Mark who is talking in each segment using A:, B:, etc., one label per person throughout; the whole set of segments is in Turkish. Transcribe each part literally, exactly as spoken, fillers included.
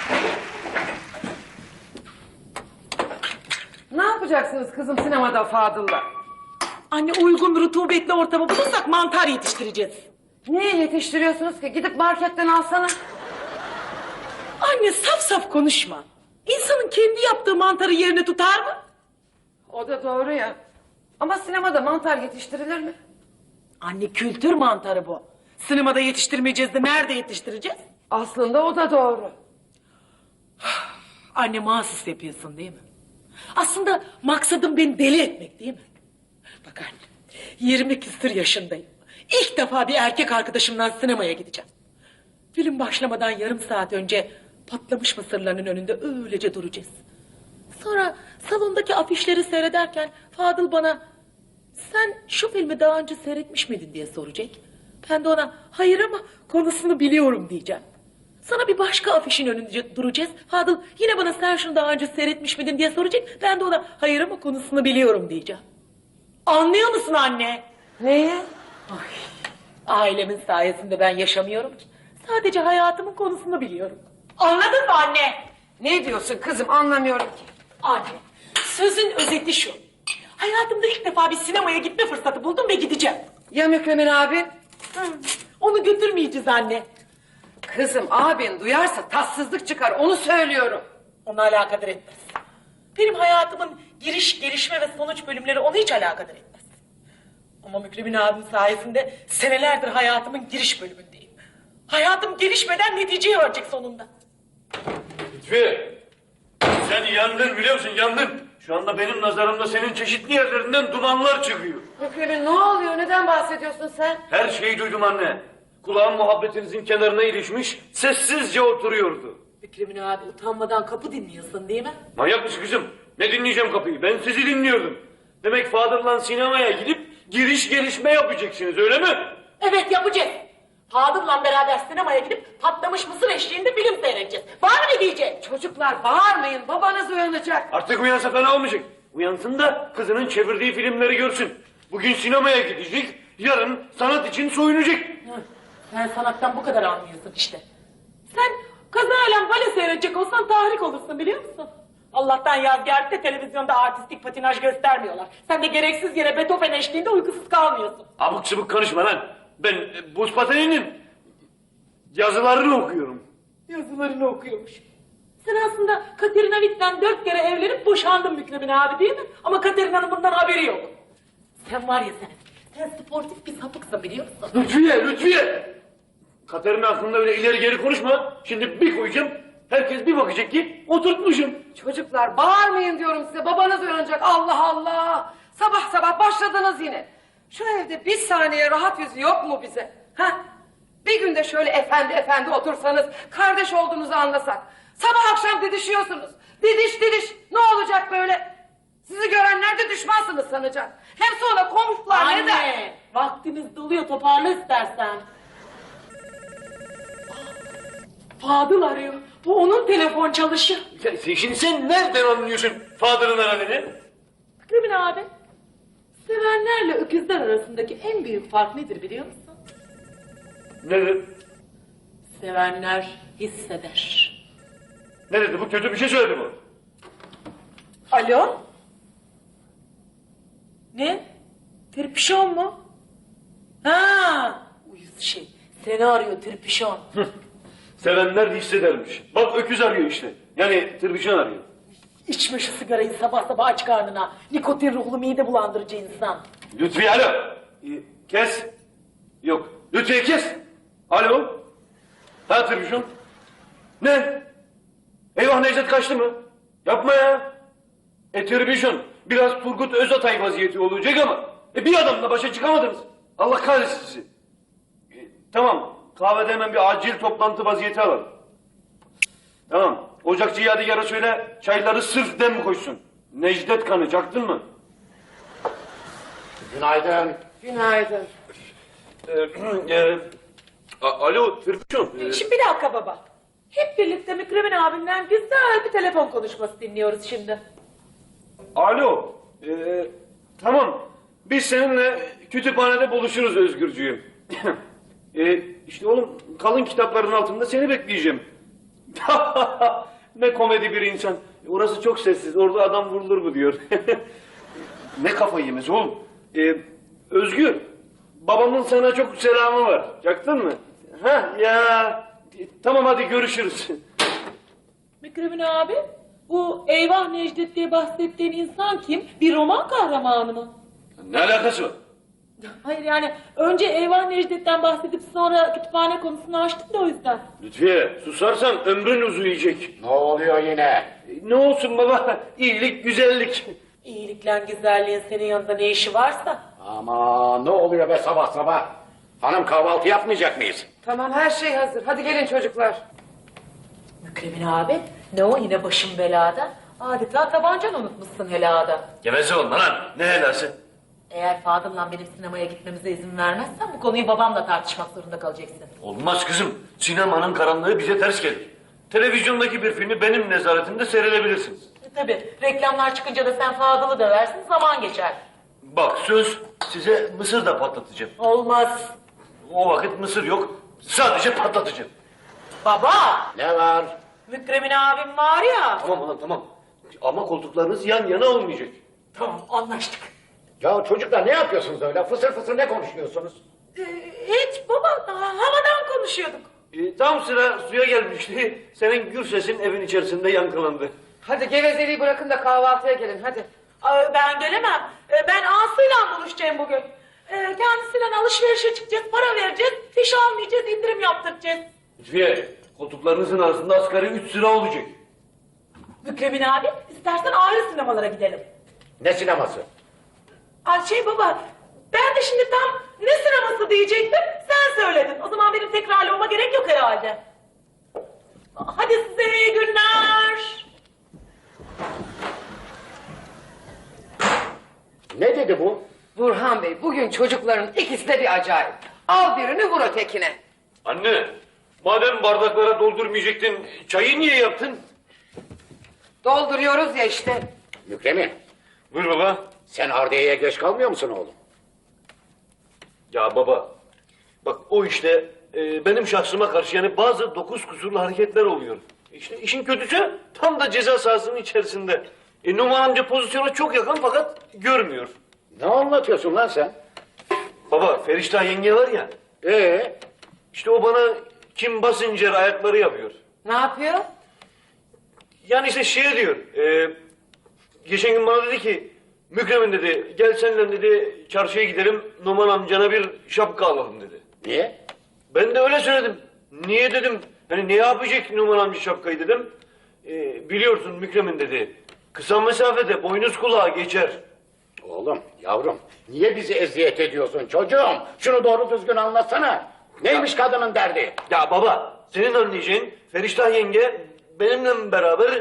A: Ne yapacaksınız kızım sinemada Fadıl'la?
B: Anne, uygun rutubetli ortamı bulursak mantar yetiştireceğiz.
A: Niye yetiştiriyorsunuz ki? Gidip marketten alsana.
B: Anne, saf saf konuşma. İnsanın kendi yaptığı mantarı yerine tutar mı?
A: O da doğru ya. Ama sinemada mantar yetiştirilir mi?
B: Anne, kültür mantarı bu. Sinemada yetiştirmeyeceğiz de nerede yetiştireceğiz?
A: Aslında o da doğru.
B: Anne, mahsus yapıyorsun değil mi? Aslında maksadım beni deli etmek değil mi? Bak anne, yirmi küsur yaşındayım. İlk defa bir erkek arkadaşımla sinemaya gideceğim. Film başlamadan yarım saat önce patlamış mısırların önünde öylece duracağız. Sonra salondaki afişleri seyrederken Fadıl bana "Sen şu filmi daha önce seyretmiş miydin?" diye soracak. Ben de ona "Hayır ama konusunu biliyorum" diyeceğim. Sana bir başka afişin önünde duracağız. Fadıl yine bana "Sen şunu daha önce seyretmiş miydin?" diye soracak. Ben de ona "Hayır ama konusunu biliyorum" diyeceğim. Anlıyor musun anne?
A: Neyi?
B: Ay, ailemin sayesinde ben yaşamıyorum ki. Sadece hayatımın konusunu biliyorum. Anladın mı anne?
A: Ne diyorsun kızım anlamıyorum ki.
B: Anne, sözün özeti şu. Hayatımda ilk defa bir sinemaya gitme fırsatı buldum ve gideceğim.
A: Ya Mükremin abi?
B: Hı, onu götürmeyeceğiz anne.
A: Kızım abin duyarsa tatsızlık çıkar onu söylüyorum.
B: Onu alakadar etmez. Benim hayatımın giriş, gelişme ve sonuç bölümleri onu hiç alakadar etmez. Ama Mükremin abim sayesinde senelerdir hayatımın giriş bölümündeyim. Hayatım gelişmeden neticeye varecek sonunda.
C: Lütfiye, sen yandın biliyor musun, yandın. Şu anda benim nazarımda senin çeşitli yerlerinden dumanlar çıkıyor.
A: Mükremin ne oluyor neden bahsediyorsun sen?
C: Her şeyi duydum anne. Kulağım muhabbetinizin kenarına ilişmiş, sessizce oturuyordu.
B: Mükremin abi, utanmadan kapı dinliyorsun değil mi?
C: Manyak mısın kızım? Ne dinleyeceğim kapıyı? Ben sizi dinliyordum. Demek Fadıl'la sinemaya gidip giriş gelişme yapacaksınız, öyle mi?
B: Evet, yapacağız. Fadıl'la beraber sinemaya gidip patlamış mısır eşliğinde film seyredeceğiz. Var mı ne diyecek?
A: Çocuklar bağırmayın babanız uyanacak.
C: Artık uyansa fena olmayacak. Uyansın da kızının çevirdiği filmleri görsün. Bugün sinemaya gidecek, yarın sanat için soyunacak.
B: Hı, sen sanattan bu kadar anlıyorsun işte. Sen kazayla bale seyredecek olsan tahrik olursun biliyor musun? Allah'tan Yazgâr'da televizyonda artistik patinaj göstermiyorlar. Sen de gereksiz yere Beethoven eşliğinde uykusuz kalmıyorsun.
C: Abuk sabuk konuşma lan. Ben e, buz pateninin yazılarını okuyorum.
B: Yazılarını okuyormuş. Sen aslında Katerina Witt'ten dört kere evlenip boşandın Mükremin abi değil mi? Ama Katerina'nın bundan haberi yok. Sen var ya sen, sen sportif bir sapıksın biliyor musun?
C: Lütfiye, Lütfiye! Katerina hakkında öyle ileri geri konuşma. Şimdi bir koyacağım, herkes bir bakacak ki oturtmuşum.
A: Çocuklar bağırmayın diyorum size babanız uyanacak Allah Allah. Sabah sabah başladınız yine. Şu evde bir saniye rahat yüzü yok mu bize? Ha? Bir günde şöyle efendi efendi otursanız kardeş olduğunuzu anlasak. Sabah akşam didişiyorsunuz. Didiş didiş ne olacak böyle? Sizi görenler de düşmansınız sanacak. Hem sonra komşular ne der?
B: Anne, vaktimiz doluyor, toparla istersen. Fadıl arıyor. Bu onun telefon çalışı.
C: Ya, sen- şimdi sen nereden anlıyorsun Fadıl'ın aradığını?
B: Mükremin abi, sevenlerle öküzler arasındaki en büyük fark nedir biliyor musun?
C: Ne dedi?
B: Sevenler hisseder.
C: Ne dedi? Bu kötü bir şey söyledi bu.
B: Alo? Ne? Tirpişon mu? Ha, uyuz şey. Seni arıyor tirpişon.
C: Sevenler hissedermiş. Bak öküz arıyor işte. Yani tırbışan arıyor.
B: İçme şu sigarayı sabah sabah aç karnına. Nikotin ruhlu mide bulandırıcı insan.
C: Lütfiye alo. Ee, kes. Yok. Lütfiye kes. Alo. Ha tırbışan. Ne? Eyvah Necdet kaçtı mı? Yapma ya. E tırbışan. Biraz Turgut Özatay vaziyeti olacak ama. E bir adamla başa çıkamadınız. Allah kahretsin sizi. E, tamam. Kahvede hemen bir acil toplantı vaziyeti alalım. Tamam. Ocakçı Yadigar'a söyle çayları sırf dem koysun. Necdet kanı çaktın mı?
D: Günaydın.
A: Günaydın.
C: Ee, e, a- alo Tırbışan. Ee,
B: Şimdi bir dakika baba. Hep birlikte Mükremin abimden güzel bir telefon konuşması dinliyoruz şimdi.
C: alo. Ee, tamam. Biz seninle kütüphanede buluşuruz Özgürcüğüm. ee, işte oğlum kalın kitapların altında seni bekleyeceğim. Ne komedi bir insan. Orası çok sessiz. Orada adam vurulur mu diyor. Ne kafayı yemesi oğlum. Ee, Özgür, babamın sana çok selamı var. Yaktın mı? Ha ya. Tamam hadi görüşürüz.
B: Mükremin abi, bu Eyvah Necdet diye bahsettiğin insan kim? Bir roman kahramanı mı?
C: Ne alakası var?
B: Hayır yani önce Eyvah Necdet'ten bahsedip sonra kütüphane konusunu açtık da o yüzden.
C: Lütfiye susarsan ömrün uzayacak.
D: Ne oluyor yine?
C: Ne olsun baba? İyilik, güzellik.
B: İyilikle güzelliğin senin yanında ne işi varsa.
D: Ama ne oluyor be sabah sabah? Hanım kahvaltı yapmayacak mıyız?
A: Tamam her şey hazır. Hadi gelin çocuklar.
B: Mükremin abi, ne o yine başım belada? Adeta tabancanı unutmuşsun helada.
C: Geveze olma lan. Ne helası?
B: Eğer Fadıl'la benim sinemaya gitmemize izin vermezsen bu konuyu babamla tartışmak zorunda kalacaksın.
C: Olmaz kızım. Sinemanın karanlığı bize ters gelir. Televizyondaki bir filmi benim nezaretimde seyredebilirsiniz.
B: E, tabii reklamlar çıkınca da sen Fadıl'ı döversin zaman geçer.
C: Bak söz size mısır da patlatacağım.
B: Olmaz.
C: O vakit mısır yok. Sadece patlatacağım.
B: Baba,
D: Ne var?
B: Mükremin abim var ya.
C: Tamam ulan tamam. Ama koltuklarınız yan yana olmayacak.
B: Tamam anlaştık.
D: Ya çocuklar ne yapıyorsunuz öyle? Fısır fısır ne konuşuyorsunuz?
B: Ee, hiç baba, daha havadan konuşuyorduk.
C: Ee, tam sıra suya gelmişti. Senin gür sesin evin içerisinde yankılandı.
A: Hadi gevezeliği bırakın da kahvaltıya gelin hadi.
B: Ay, ben gelemem. Ee, ben Aslı'yla buluşacağım bugün. Ee, kendisiyle alışverişe çıkacağız, para vereceğiz, fiş almayacağız, indirim yaptıracağız.
C: Lütfiye, koltuklarınızın arasında asgari üç sıra olacak.
B: Mükremin abi, istersen ayrı sinemalara gidelim.
D: Ne sineması?
B: Ay şey baba, ben de şimdi tam ne sineması diyecektim, sen söyledin. O zaman benim tekrarlamama gerek yok herhalde. Hadi size iyi günler.
D: Ne dedi bu?
A: Burhan Bey bugün çocukların ikisi de bir acayip. Al birini vur ötekine.
C: Anne, madem bardaklara doldurmayacaktın, çayı niye yaptın?
A: Dolduruyoruz ya işte.
D: Mükremin,
C: Buyur baba.
D: sen Ardiye'ye geç kalmıyor musun oğlum?
C: Ya baba, bak o işte e, benim şahsıma karşı yani bazı dokuz kusurlu hareketler oluyor. İşte işin kötüsü tam da ceza sahasının içerisinde. E, Numan amca pozisyona çok yakın fakat görmüyor.
D: Ne anlatıyorsun lan sen?
C: Baba, Feriştah yenge var ya,
D: Ee,
C: işte o bana Kim Basinger ayakları yapıyor.
A: Ne yapıyor?
C: Yani işte şey diyor, e, geçen gün bana dedi ki, Mükremin dedi, gel seninle dedi çarşıya gidelim, Numan amcana bir şapka alalım dedi.
D: niye?
C: Ben de öyle söyledim. Niye dedim, hani ne yapacak Numan amca şapkayı dedim. E, biliyorsun Mükremin dedi, kısa mesafede boynuz kulağa geçer.
D: Oğlum, yavrum, niye bizi eziyet ediyorsun çocuğum? Şunu doğru düzgün anlatsana. Neymiş kadının derdi?
C: Ya baba, senin anlayacağın Feriştah yenge benimle beraber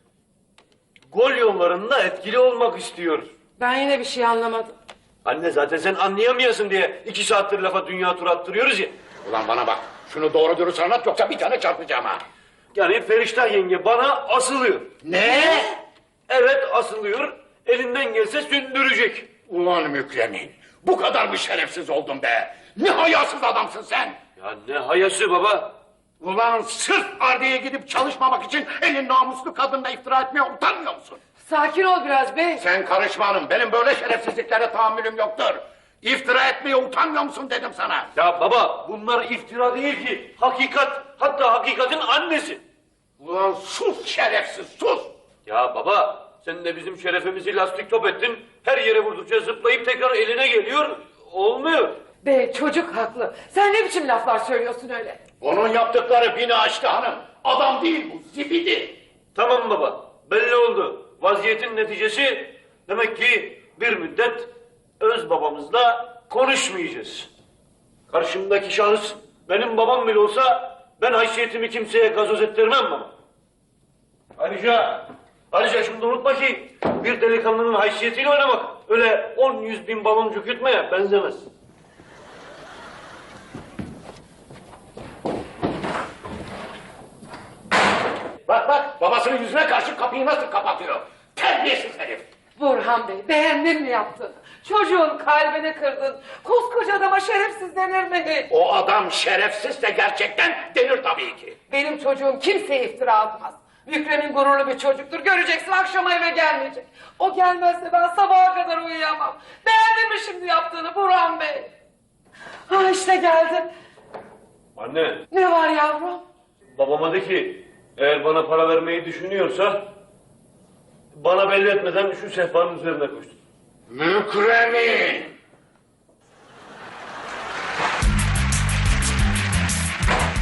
C: gol yollarında etkili olmak istiyor.
A: Ben yine bir şey anlamadım.
C: Anne zaten sen anlayamayasın diye iki saattir lafa dünya tur attırıyoruz ya.
D: Ulan bana bak, şunu doğru dürüst anlat yoksa bir tane çarpacağım ha.
C: Yani Feriştah yenge bana asılıyor.
D: Ne?
C: Evet asılıyor, elinden gelse sündürecek.
D: Ulan Mükremin, bu kadar mı şerefsiz oldun be? Ne hayasız adamsın sen?
C: Ya ne hayası baba?
D: Ulan sırf Ardiye'ye gidip çalışmamak için elin namuslu kadınla iftira etmeye utanmıyor musun?
A: Sakin ol biraz bey.
D: Sen karışma hanım, benim böyle şerefsizliklere tahammülüm yoktur. İftira etmeye utanmıyor musun dedim sana.
C: Ya baba bunlar iftira değil ki, hakikat, hatta hakikatin annesi.
D: Ulan sus şerefsiz, sus!
C: Ya baba sen de bizim şerefimizi lastik top ettin, her yere vurdukça zıplayıp tekrar eline geliyor, olmuyor.
A: Bey çocuk haklı. Sen ne biçim laflar söylüyorsun öyle?
D: Onun yaptıkları bini aştı hanım. Adam değil bu, zibidi.
C: Tamam baba, belli oldu. Vaziyetin neticesi demek ki bir müddet öz babamızla konuşmayacağız. Karşımdaki şahıs benim babam bile olsa ben haysiyetimi kimseye gazoz ettirmem baba. Ayrıca, ayrıca şunu da unutma ki bir delikanlının haysiyetiyle oynamak öyle on yüz bin baloncuk yutmaya benzemez.
D: Bak bak, babasının yüzüne karşı kapıyı nasıl kapatıyor? Terbiyesiz herif.
A: Burhan Bey, beğendin mi yaptın? Çocuğun kalbini kırdın. Koskoca adama şerefsiz denir mi?
D: O adam şerefsizse gerçekten denir tabii ki.
A: Benim çocuğum kimseye iftira atmaz. Mükremin gururlu bir çocuktur. Göreceksin akşama eve gelmeyecek. O gelmezse ben sabaha kadar uyuyamam. Beğendin mi şimdi yaptığını Burhan Bey? Ha işte geldim.
C: Anne,
A: Ne var yavrum?
C: babama de ki eğer bana para vermeyi düşünüyorsa bana belli etmeden şu sehpanın üzerine koşsun.
D: Mükremin!